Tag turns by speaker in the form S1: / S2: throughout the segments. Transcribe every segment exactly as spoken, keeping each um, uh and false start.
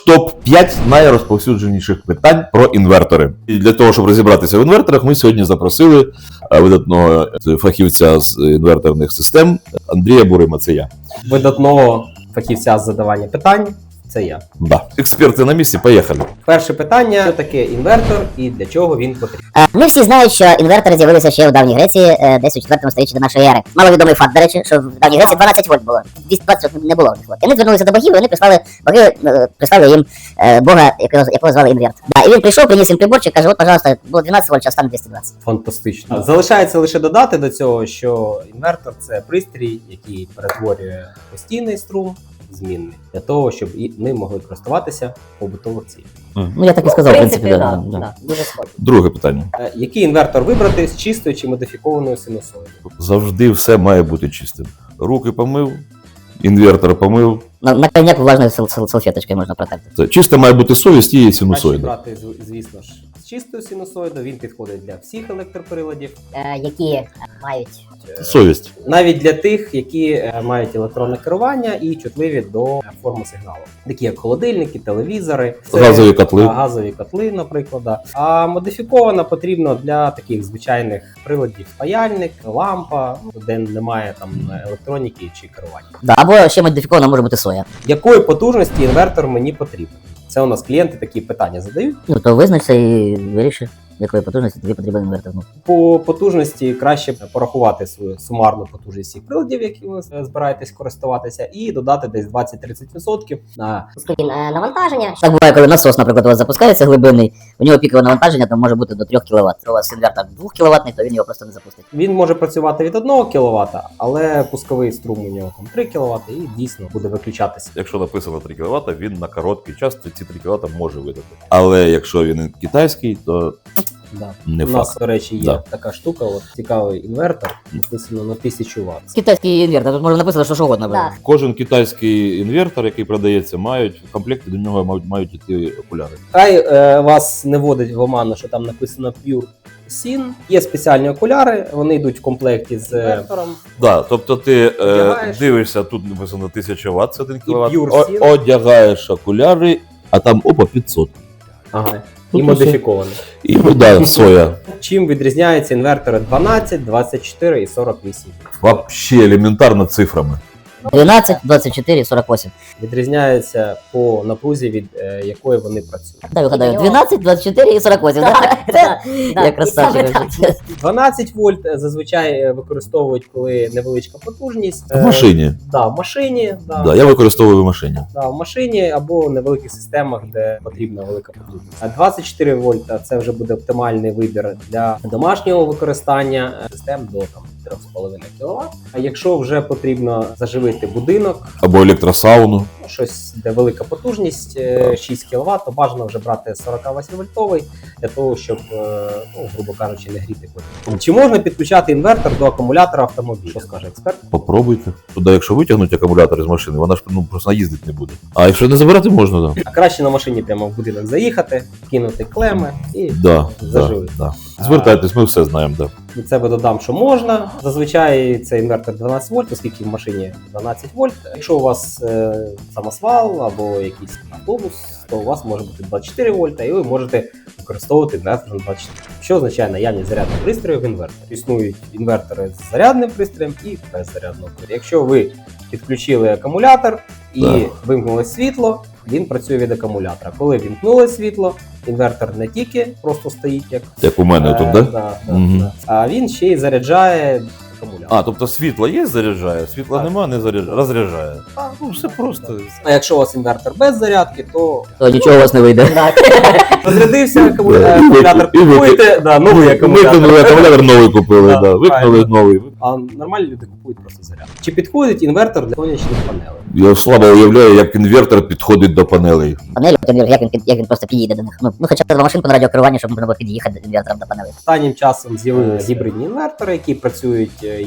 S1: топ п'ять найрозповсюдженіших питань про інвертори. І для того, щоб розібратися в інверторах, ми сьогодні запросили видатного фахівця з інверторних систем Андрія Бурима. Це я.
S2: Видатного фахівця з задавання питань. Це я.
S1: Да. Експерти на місці, поїхали.
S2: Перше питання: що таке інвертор і для чого він потрібен?
S3: Ми всі знають, що інвертори з'явилися ще в давній Греції, десь у четвертому сторіччі до нашої ери. Маловідомий факт, до речі, що в давній Греції дванадцять вольт було. двісті двадцять не було в них. І вони звернулися до богів, і вони прислали, боги прислали їм бога, якого, якого звали Інверт. Да, і він прийшов, приніс їм приборчик, каже, от, пожалуйста, було дванадцять вольт, а стане двісті двадцять.
S2: Фантастично. Залишається лише додати до цього, що інвертор – це пристрій, який перетворює постійний струм змінний, для того, щоб і ми могли користуватися побутових цілях.
S3: Ну, я так і сказав, в принципі,
S2: да,
S3: да,
S2: да,
S3: да.
S2: дуже схоже.
S1: Друге питання.
S2: Е, Який інвертор вибрати з чистою чи модифікованою синусоїдою?
S1: Завжди все має бути чистим. Руки помив, інвертор помив.
S3: На, на крайняк влажною сал- сал- салфеточкою можна протерти.
S1: Це чисто має бути совість і
S2: Краще
S1: синусоїда.
S2: брати, зв- звісно ж, з чистою синусоїдою, він підходить для всіх електроприладів.
S3: Е, які мають...
S2: Е,
S1: Совість.
S2: Навіть для тих, які е, мають електронне керування і чутливі до е, форми сигналу. Такі як холодильники, телевізори, це,
S1: Газові котли.
S2: а, газові котли, наприклад. Да. А модифікована потрібно для таких звичайних приладів: паяльник, лампа, ну, де немає там електроніки чи керування.
S3: Да, або ще модифікована може бути соя.
S2: Якої потужності інвертор мені потрібен? Це у нас клієнти такі питання задають.
S3: Ну, то визначся і виріши, якої потужності тобі потрібен інвертор. Ну.
S2: По потужності краще порахувати свою сумарну потужність всіх приладів, які ви збираєтесь користуватися, і додати десь двадцять-тридцять відсотків на
S3: Скільки навантаження. Так буває, коли насос, наприклад, у вас запускається глибинний, у нього пікове навантаження там може бути до трьох кіловат. У вас інвертор двох кіловатний, то він його просто не запустить.
S2: він може працювати від одного кіловата, але пусковий струм у нього там три кіловати і дійсно буде виключатися.
S1: Якщо написано три кіловата, він на короткий час ці три кіловата може видати. Але якщо він китайський, то
S2: Да.
S1: не
S2: У
S1: факт.
S2: нас, до речі, є
S1: Да.
S2: така штука, от цікавий інвертор, написано на тисячу ватт.
S3: Китайський інвертор, тут може написано, що що угодно. Да.
S1: Кожен китайський інвертор, який продається, мають в комплекті до нього мають, мають іти окуляри.
S2: Хай е, вас не вводить в оману, що там написано Pure Sin. Є спеціальні окуляри, вони йдуть в комплекті з інвертором.
S1: Да, тобто ти е,
S2: Одягаєш.
S1: дивишся, тут написано тисяча ватт, це один кіловат,
S2: Pure
S1: О,
S2: Seal.
S1: одягаєш окуляри, а там опа п'ятсот.
S2: Ага.
S1: Тут
S2: І
S1: усе.
S2: модифікований.
S1: І да, соя.
S2: Чим відрізняються інвертори дванадцять, двадцять чотири і сорок вісім?
S1: Вообще елементарно цифрами.
S3: дванадцять, двадцять чотири, сорок вісім.
S2: Відрізняються по напрузі, від е, якої вони працюють.
S3: Дай вгадаю, дванадцять, двадцять чотири і сорок вісім. Так, я красавчик.
S2: дванадцять вольт е, зазвичай е, використовують, коли невеличка потужність.
S1: В
S2: Е,
S1: машині.
S2: Да, в машині, да,
S1: Да, я використовую в машині.
S2: да, в машині або в невеликих системах, де потрібна велика потужність. А двадцять чотири вольта це вже буде оптимальний вибір для домашнього використання е, систем до там три з половиною кіловат. А якщо вже потрібно заживити будинок,
S1: Або електросауну.
S2: ну, щось, де велика потужність, е, шість кіловат, то бажано вже брати сорок вісім вольтовий для того, щоб, е, ну, грубо кажучи, не гріти квартиру. Чи можна підключати інвертор до акумулятора автомобіля? Що скаже експерт?
S1: Попробуйте. Туди, якщо витягнути акумулятор з машини, вона ж ну, просто їздити не буде. А якщо не забирати, можна, да.
S2: А краще на машині прямо в будинок заїхати, кинути клеми і
S1: Да, да,
S2: заживити.
S1: да. Звертайтесь, ми все знаємо, да.
S2: Від себе додам, що можна. Зазвичай це інвертор дванадцять вольт, оскільки в машині дванадцять вольт. Якщо у вас е, самосвал або якийсь автобус, то у вас може бути двадцять чотири вольта, і ви можете використовувати інвертор на двадцять чотири. Що означає наявність зарядних пристроїв в інверторі? Існують інвертори з зарядним пристроєм і без зарядного пристрою. Якщо ви підключили акумулятор і
S1: Так.
S2: вимкнули світло, він працює від акумулятора. Коли вімкнули світло, інвертор не тільки просто стоїть, як
S1: Як у мене тут,
S2: Е,
S1: да?
S2: да, да,
S1: Мгм.
S2: да. А він ще й заряджає акумулятор.
S1: А, тобто світло є, заряджає, світла
S2: Так.
S1: нема, не заряджає, розряджає.
S2: А,
S1: Ну, все просто.
S2: А якщо у вас інвертор без зарядки, то
S3: То нічого у вас не вийде.
S2: розрядився акуму-
S1: Да, і
S2: акумулятор,
S1: ви- і ви-
S2: купуєте, да, новий
S1: Викинули
S2: акумулятор.
S1: акумулятор новий купили,
S2: Да,
S1: да. Викинули
S2: правильно.
S1: новий.
S2: А нормальні люди купують просто зарядку. Чи підходить інвертор для сонячних панелей?
S1: Я слабо уявляю, як інвертор підходить до панелей.
S3: Панелі, як він, як він просто підійде до них. Ну, ну хоча б два машинку на радіокерування, щоб можна було під'їхати інвертором до панелі.
S2: Останнім часом з'явилися гібридні інвертори, які працюють е,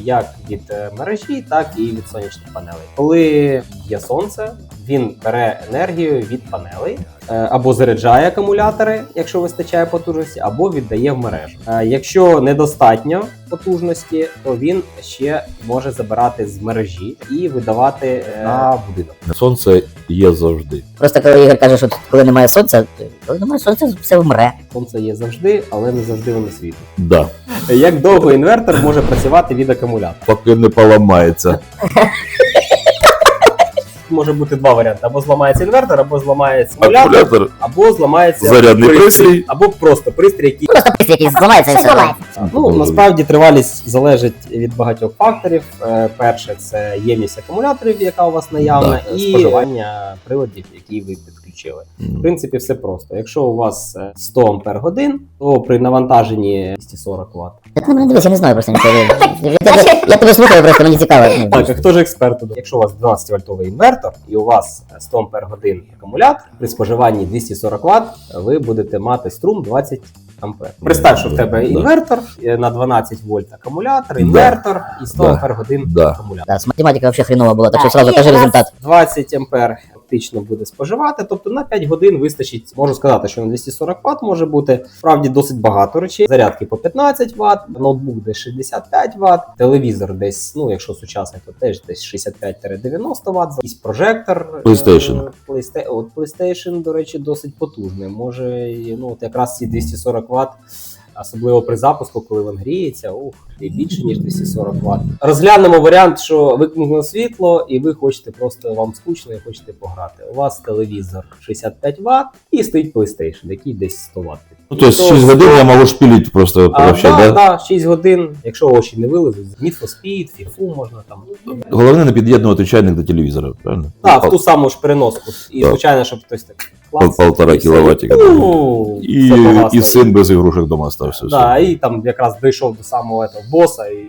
S2: як від е, мережі, так і від сонячних панелей. Коли є сонце, він бере енергію від панелей, е, або заряджає акумулятори, якщо вистачає потужності, або віддає в мережу. Е, Якщо недостатньо потужності, то він ще може забирати з мережі і видавати е, на будинок.
S1: Сонце є завжди.
S3: Просто коли Ігор каже, що коли немає сонця, коли немає сонця, все вмре.
S2: Сонце є завжди, але не завжди воно світить.
S1: Да.
S2: Як довго інвертор може працювати від акумулятора?
S1: Поки не поламається.
S2: Може бути два варіанти: або зламається інвертор, або зламається акумулятор,
S1: Акумулятор,
S2: або зламається
S1: зарядний пристрій.
S2: або просто пристрій, який
S3: Просто пристрій, який зламається і все.
S2: ну насправді тривалість залежить від багатьох факторів. Е, Перше, це ємність акумуляторів, яка у вас наявна,
S1: Да.
S2: і споживання приладів, які ви підключили. В принципі, все просто. Якщо у вас е, сто ампер годин, то при навантаженні двісті сорок ватт.
S3: Ти на мене дивись, я не знаю просто нічого. Я тебе- Я тебе слухаю, просто мені цікаво. Ну,
S2: Так, а хто ж експерт тут? Якщо у вас дванадцять вольтовий інвертор і у вас сто ампер годин акумулятор, при споживанні двісті сорок ватт ви будете мати струм двадцять ампер. Представ, що в тебе
S1: Да.
S2: інвертор е, на дванадцять вольт акумулятор, інвертор і сто
S1: Да.
S2: ампер годин
S1: Да.
S2: акумулятор.
S3: Да, з математикою взагалі хреново було, так що сразу кажи результат.
S2: двадцять ампер фактично буде споживати, тобто на п'ять годин вистачить. Можу сказати, що на двісті сорок ватт може бути справді досить багато речей. Зарядки по п'ятнадцять ватт, ноутбук десь шістдесят п'ять ватт, телевізор десь, ну якщо сучасний, то теж десь шістдесят п'ять дев'яносто ватт, якийсь прожектор.
S1: PlayStation.
S2: Е, Playsta- От PlayStation, до речі, досить потужний. Може, і, ну от якраз ці двісті сорок ватт. Особливо при запуску, коли він гріється, ух, і більше ніж двісті сорок ватт. Розглянемо варіант, що викинуло світло, і ви хочете просто, вам скучно і хочете пограти. У вас телевізор шістдесят п'ять ватт і стоїть PlayStation, який десь сто ватт.
S1: Ну, то есть шість годин я можу шпілити просто
S2: А,
S1: вообще,
S2: да,
S1: да?
S2: да, шість годин, якщо очі не вилезуть, Need for Speed, FIFA можна там.
S1: Головне не під'єднувати чайник до телевізора, правильно?
S2: Так, в ту саму ж переноску. І,
S1: Так.
S2: звичайно, щоб хтось так
S1: Пол-
S2: клац,
S1: полтора
S2: і все.
S1: кіловатика.
S2: Ну,
S1: І,
S2: все погасло.
S1: і син без ігрушок дома стався.
S2: Да, і там якраз дійшов до самого этого боса. І...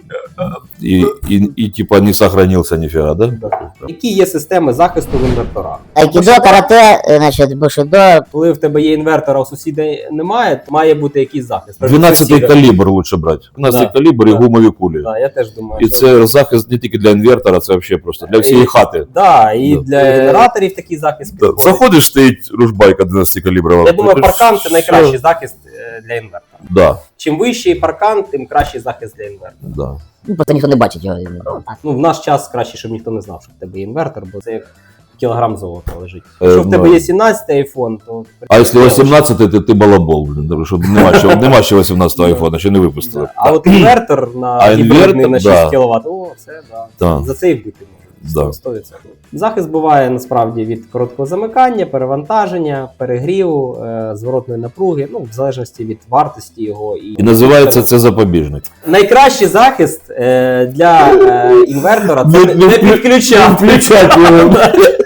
S1: І, і, і, типа не сохранився ніфіга, да?
S2: Які є системи захисту в інверторах?
S3: Айкідо, карате, е, значить, бушидо.
S2: Коли в тебе є інвертор, а у сусіда немає, то має бути якийсь захист.
S1: дванадцятий калібр лучше брати. дванадцятий
S2: Да.
S1: калібр і
S2: Да.
S1: гумові кулі.
S2: Да, я теж думаю,
S1: І
S2: що...
S1: це захист не тільки для інвертора, це взагалі просто для всієї
S2: І-
S1: хати.
S2: Да, і
S1: Да.
S2: для генераторів такий захист
S1: Да.
S2: підходить.
S1: Заходиш, стоїть ружбайка дванадцяти каліброва.
S2: Я думаю,
S1: Ти
S2: паркан
S1: ж-
S2: це найкращий захист е, для інвертора.
S1: Да,
S2: Чим вищий паркан, тим кращий захист для інвертора.
S1: да.
S3: Ну, просто ніхто не бачить його.
S2: Ну, в наш час краще, щоб ніхто не знав, що в тебе є інвертор, бо це як кілограм золота лежить.
S1: Е,
S2: Якщо в тебе
S1: ну.
S2: є сімнадцятий айфон, то...
S1: А якщо вісімнадцятий, то ти балабол, блін, тому що нема ще, нема ще вісімнадцятого айфона, ще не випустили.
S2: А от інвертор на
S1: А
S2: гібридний
S1: інвертор,
S2: на
S1: да.
S2: шість кіловат, о, це да.
S1: Да.
S2: За це і вбити
S1: Да.
S2: можна. сто відсотків. Захист буває насправді від короткого замикання, перевантаження, перегріву, е, зворотної напруги, ну, в залежності від вартості його. І,
S1: І називається це запобіжник.
S2: Найкращий захист е, для е, інвертора це
S1: Не-
S2: не,
S1: не
S2: не
S1: вклю-
S2: підключати.
S1: Включати його.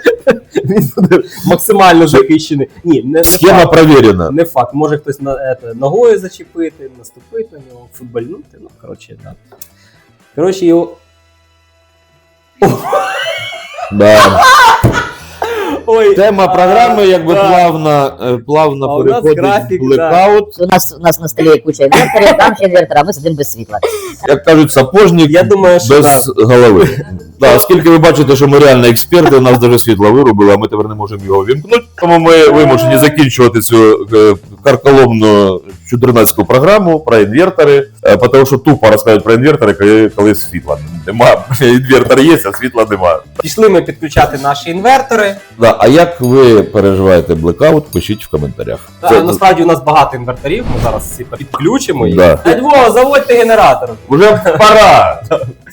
S2: Він буде максимально захищений. Ні, не, не
S1: Схема
S2: факт.
S1: провірена.
S2: Не факт. Може хтось на, ето, ногою зачепити, наступити на нього, футбольнути. Ну, коротше, так. Да. Коротше, його.
S1: Да.
S2: Ой,
S1: Тема програми якби
S2: да.
S1: плавно, е, плавно
S2: А у нас
S1: переходить
S2: графік,
S1: в блекаут.
S3: У нас, у нас на столі куча інверторів, там ще інвертор, а ми сидимо без світла.
S1: Як кажуть, сапожник
S2: Я думаю, що
S1: без голови. Да, оскільки ви бачите, що ми реально експерти, у нас навіть світло вирубили, а ми тепер не можемо його вімкнути. Тому ми вимушені закінчувати цю е, карколомну чудернацьку програму про інвертори, е, тому що тупо розказують про інвертори, коли, коли світла немає. Інвертор є, а світла немає.
S2: пішли ми підключати наші інвертори.
S1: Да, а як ви переживаєте блекаут, пишіть в коментарях.
S2: Та,
S1: Це-
S2: насправді у нас багато інверторів, ми зараз всі підключимо їх.
S1: Да.
S2: Дядь Вова, заводьте генератор.
S1: Уже пора.